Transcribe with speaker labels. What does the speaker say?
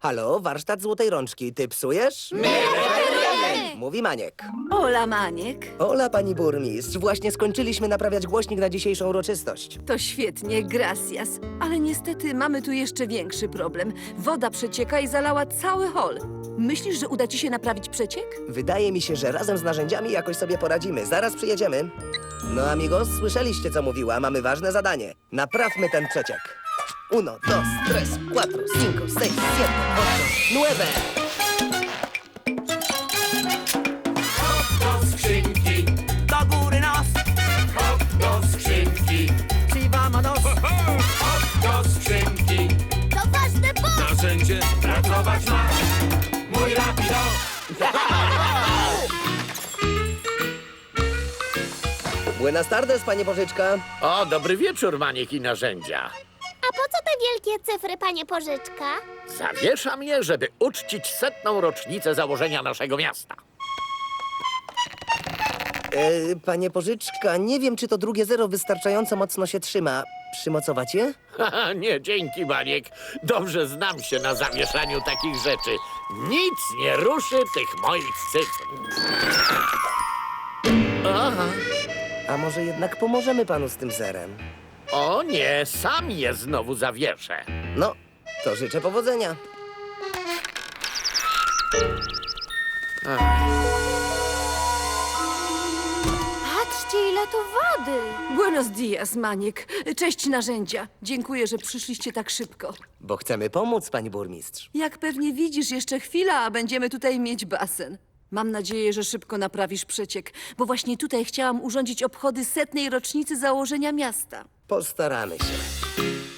Speaker 1: Halo, warsztat Złotej Rączki. Ty psujesz? Mówi Maniek.
Speaker 2: Ola, Maniek.
Speaker 1: Ola, pani burmistrz. Właśnie skończyliśmy naprawiać głośnik na dzisiejszą uroczystość.
Speaker 2: To świetnie, gracias. Ale niestety mamy tu jeszcze większy problem. Woda przecieka i zalała cały hol. Myślisz, że uda ci się naprawić przeciek?
Speaker 1: Wydaje mi się, że razem z narzędziami jakoś sobie poradzimy. Zaraz przyjedziemy. No, amigos, słyszeliście, co mówiła. Mamy ważne zadanie. Naprawmy ten przeciek. Uno, dos, tres, cuatro, cinco, seis, siete, ocho, nueve.
Speaker 3: Do skrzynki, do góry nos. Hop do skrzynki,
Speaker 4: Sí, vámonos.
Speaker 3: hop do skrzynki.
Speaker 5: To ważne, bo...
Speaker 3: Narzędzie pracować ma. Mój rapido.
Speaker 1: Buenas tardes, panie Bożyczka.
Speaker 6: O, dobry wieczór, Maniek i narzędzia.
Speaker 5: A po co te wielkie cyfry, panie Pożyczka?
Speaker 6: Zawieszam je, żeby uczcić 100. rocznicę założenia naszego miasta.
Speaker 1: Panie Bożyczka, nie wiem, czy to drugie zero wystarczająco mocno się trzyma. Przymocować je?
Speaker 6: Haha, nie, dzięki, Maniek. Dobrze znam się na zawieszaniu takich rzeczy. Nic nie ruszy tych moich cyfr. Aha.
Speaker 1: A może jednak pomożemy panu z tym zerem?
Speaker 6: O nie, sam je znowu zawieszę.
Speaker 1: No, to życzę powodzenia.
Speaker 5: Patrzcie, ile tu wody!
Speaker 2: Buenos dias, Maniek. Cześć, narzędzia. Dziękuję, że przyszliście tak szybko.
Speaker 1: Bo chcemy pomóc, pani burmistrz.
Speaker 2: Jak pewnie widzisz, jeszcze chwila, a będziemy tutaj mieć basen. Mam nadzieję, że szybko naprawisz przeciek, bo właśnie tutaj chciałam urządzić obchody 100. rocznicy założenia miasta.
Speaker 1: Postaramy się.